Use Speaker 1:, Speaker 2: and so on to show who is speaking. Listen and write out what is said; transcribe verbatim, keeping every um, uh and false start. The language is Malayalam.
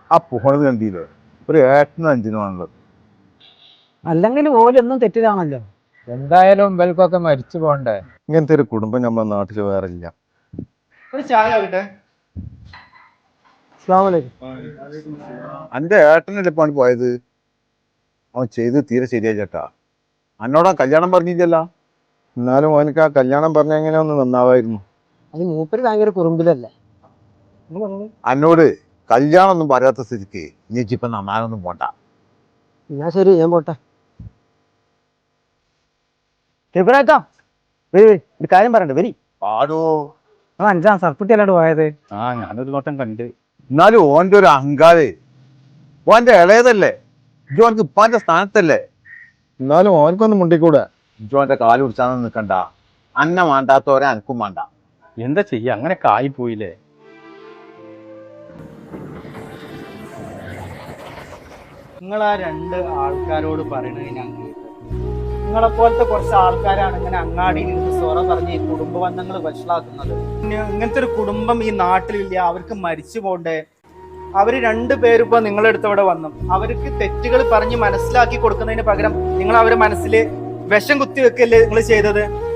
Speaker 1: ആ പോണത് കണ്ടില്ലേ, ഒരു ഏട്ടനും അഞ്ചിനുമാണുള്ളത്.
Speaker 2: അല്ലെങ്കിൽ ഓലൊന്നും തെറ്റിലാണല്ലോ.
Speaker 3: എന്തായാലും ഇവൽക്കൊക്കെ മരിച്ചു പോണ്ടേ.
Speaker 1: ഇങ്ങനത്തെ ഒരു കുടുംബം നമ്മുടെ നാട്ടിൽ വേറെ ഇല്ല.
Speaker 4: ഒരു ചായ ആകട്ടെ.
Speaker 1: എന്റെ ഏട്ടനല്ലേ പണി പോയത്, അവൻ ചെയ്ത് തീരെ ശരിയാ ചേട്ടാ. എന്നോടാ കല്യാണം പറഞ്ഞില്ലല്ലോ, എന്നാലും അവനക്ക് ആ കല്യാണം പറഞ്ഞ എങ്ങനെ ഒന്ന് നന്നാവായിരുന്നു.
Speaker 2: അത് മൂപ്പര് ഭയങ്കര കുറുമ്പിലല്ലേ.
Speaker 1: എന്നോട് കല്യാണം ഒന്നും പറയാത്ത സ്ഥിതിക്ക് നീ ഇപ്പൊ നന്നാനൊന്നും പോണ്ട.
Speaker 2: എന്നാ ശരി, ഞാൻ പോട്ടെ. ത്രിപുരേട്ടാ, വരി ഒരു കാര്യം പറയണ്ട, വരി.
Speaker 1: ആരോ
Speaker 2: അഞ്ചാം സർക്കുട്ടി അല്ലാണ്ട് പോയത്.
Speaker 1: ആ ഞാനൊരു നോട്ടം കണ്ട്. എന്നാലും ഓന്റെ ഒരു അഹങ്കാരേ, ഓന്റെ ഇളയതല്ലേ, ജോൻക്ക് ഇപ്പാന്റെ സ്ഥാനത്തല്ലേ, എന്നാലും ഓനക്കൊന്നും മുണ്ടിക്കൂടെ. ജോന്റെ കാല് പിടിച്ചാന്ന് നിൽക്കണ്ട. അന്ന വേണ്ടാത്തോരെ അനക്കും വേണ്ട.
Speaker 5: എന്താ ചെയ്യാ, അങ്ങനെയൊക്കെ ആയിപ്പോയില്ലേ.
Speaker 4: നിങ്ങൾ ആ രണ്ട് ആൾക്കാരോട് പറയണത് ഞാൻ കേട്ടു. നിങ്ങളെ പോലത്തെ കുറച്ച് ആൾക്കാരാണ് ഇങ്ങനെ അങ്ങാടിയിൽ നിന്ന് സൊറ പറഞ്ഞ് ഈ കുടുംബ ബന്ധങ്ങൾ വഷളാക്കുന്നത്. ഇങ്ങനത്തെ ഒരു കുടുംബം ഈ നാട്ടിലില്ല, അവർക്ക് മരിച്ചു പോണ്ടേ. അവര് രണ്ടുപേരും ഇപ്പൊ നിങ്ങളെടുത്ത് ഇവിടെ വന്നു, അവർക്ക് തെറ്റുകൾ പറഞ്ഞ് മനസ്സിലാക്കി കൊടുക്കുന്നതിന് പകരം നിങ്ങൾ അവരെ മനസ്സിൽ വിഷം കുത്തി വെക്കല്ലേ നിങ്ങൾ ചെയ്തത്.